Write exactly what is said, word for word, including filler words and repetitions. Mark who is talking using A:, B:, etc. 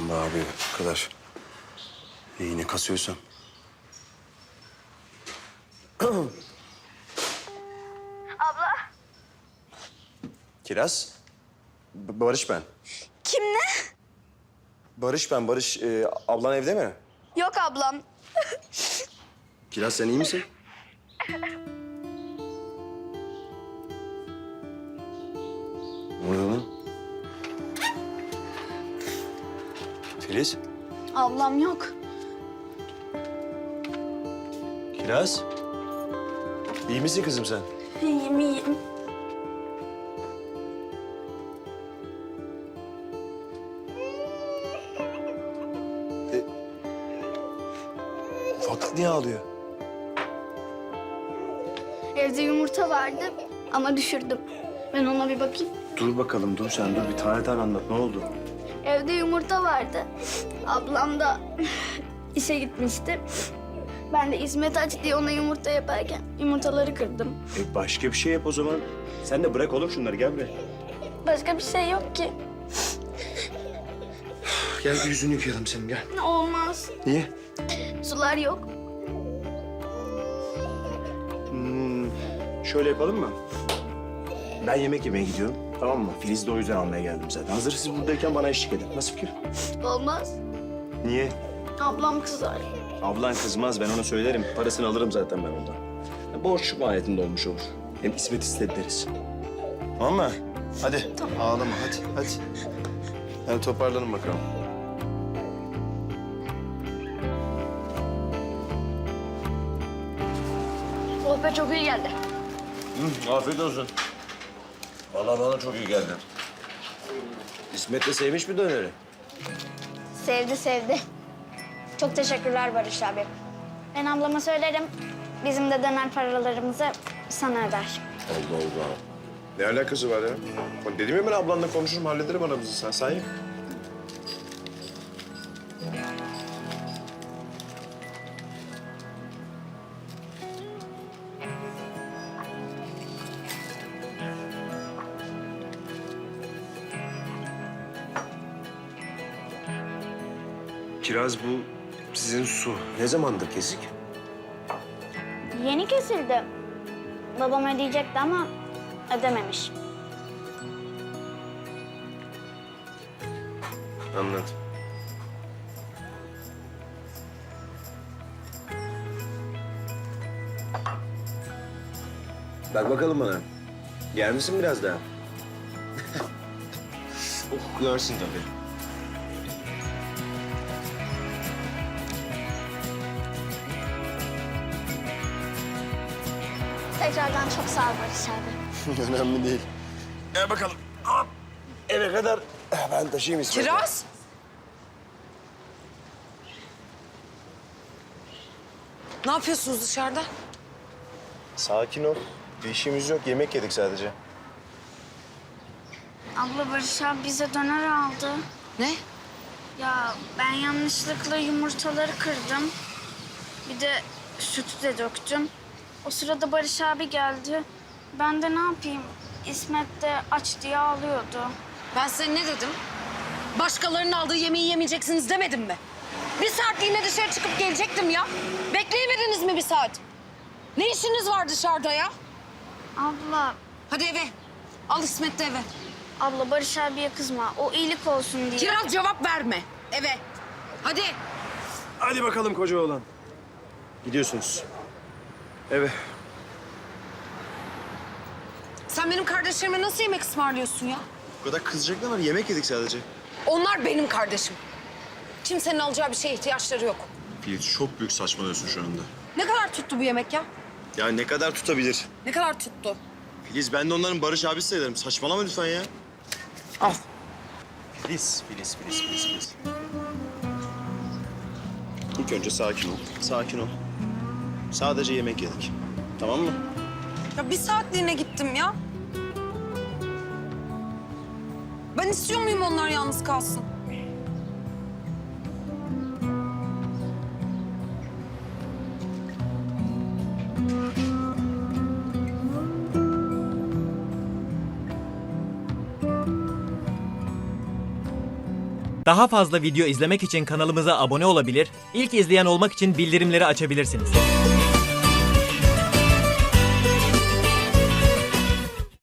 A: be abi bu kadar. İyi ne kasıyorsam.
B: Abla.
A: Kiraz. B- Barış ben.
B: Kim ne?
A: Barış ben. Barış e, ablan evde mi?
B: Yok ablam.
A: Kiraz sen iyi misin? Ne oluyor lan? Filiz.
B: Ablam yok.
A: Kiraz. İyi misin kızım sen?
B: İyiyim iyiyim.
A: Ufaklık niye ağlıyor?
B: Evde yumurta vardı ama düşürdüm. Ben ona bir bakayım.
A: Dur bakalım dur sen dur bir tane tane anlat ne oldu?
B: Evde yumurta vardı. Ablam da işe gitmişti. Ben de İsmet aç diye ona yumurta yaparken yumurtaları kırdım.
A: E başka bir şey yap o zaman. Sen de bırak oğlum şunları gel buraya.
B: Başka bir şey yok ki.
A: Gel bir yüzünü yıkayalım senin gel.
B: Olmaz.
A: Niye?
B: Sular yok.
A: Hmm, şöyle yapalım mı? Ben yemek yemeye gidiyorum tamam mı? Filiz'i de o yüzden almaya geldim zaten. Hazır siz buradayken bana eşlik edin. Nasıl fikir?
B: Olmaz.
A: Niye?
B: Ablam kızar.
A: Ablan kızmaz ben ona söylerim. Parasını alırım zaten ben ondan. Ya, borç mahiyetinde olmuş olur. Hem İsmet istedi deriz. Tamam mı? Hadi
B: Tamam.
A: ağlama hadi hadi. Hadi toparlanın bakalım.
B: Oh be çok iyi geldi.
A: Hı, afiyet olsun. Vallahi bana çok iyi geldi. İsmet de sevmiş mi döneri?
B: Sevdi sevdi. Çok teşekkürler Barış abi. Ben ablama söylerim. Bizim de döner paralarımızı sana öder.
A: Allah Allah. Ne alakası var ya? Bak dedim ya ben ablanla konuşurum, hallederim aramızı. Sen say. Kiraz bu sizin su. Ne zamandır kesik?
B: Yeni kesildi. Babam ödeyecekti ama ödememiş.
A: Anladım. Bak bakalım bana. Yer misin biraz daha? Oh, yersin tabii.
B: Tekrardan çok sağ ol Barış abi.
A: Önemli değil. Gel bakalım. Hop. Eve kadar ben taşıyayım İsmet'i.
C: Kiraz. Ne yapıyorsunuz dışarıda?
A: Sakin ol. Bir işimiz yok. Yemek yedik sadece.
B: Abla Barış abi bize döner aldı.
C: Ne?
B: Ya ben yanlışlıkla yumurtaları kırdım. Bir de sütü de döktüm. O sırada Barış abi geldi. Ben de ne yapayım? İsmet de aç diye ağlıyordu.
C: Ben size ne dedim? Başkalarının aldığı yemeği yemeyeceksiniz demedim mi? Bir saatliğine dışarı çıkıp gelecektim ya. Bekleyemediniz mi bir saat? Ne işiniz var dışarıda ya?
B: Abla,
C: Hadi eve. Al İsmet de eve.
B: abla Barış abiye kızma. O iyilik olsun diye.
C: Kiraz cevap verme. Eve. Hadi.
A: Hadi bakalım koca oğlan. Gidiyorsunuz. Eve.
C: Sen benim kardeşlerime nasıl yemek ısmarlıyorsun ya?
A: Bu kadar kızacak ne var? Yemek yedik sadece.
C: Onlar benim kardeşim. Kimsenin alacağı bir şeye ihtiyaçları yok.
A: Filiz çok büyük saçmalıyorsun şu anda.
C: Ne kadar tuttu bu yemek ya?
A: Ya ne kadar tutabilir?
C: Ne kadar tuttu?
A: Filiz ben de onların Barış abisi sayılırım. Saçmalama lütfen ya.
C: Al.
A: Filiz, Filiz, Filiz, Filiz, Filiz. İlk önce sakin ol. Sakin ol. Sadece yemek yedik. Tamam mı?
C: Ya bir saatliğine gittim ya. Ben istiyor muyum onlar yalnız kalsın?
D: Daha fazla video izlemek için kanalımıza abone olabilir, ilk izleyen olmak için bildirimleri açabilirsiniz.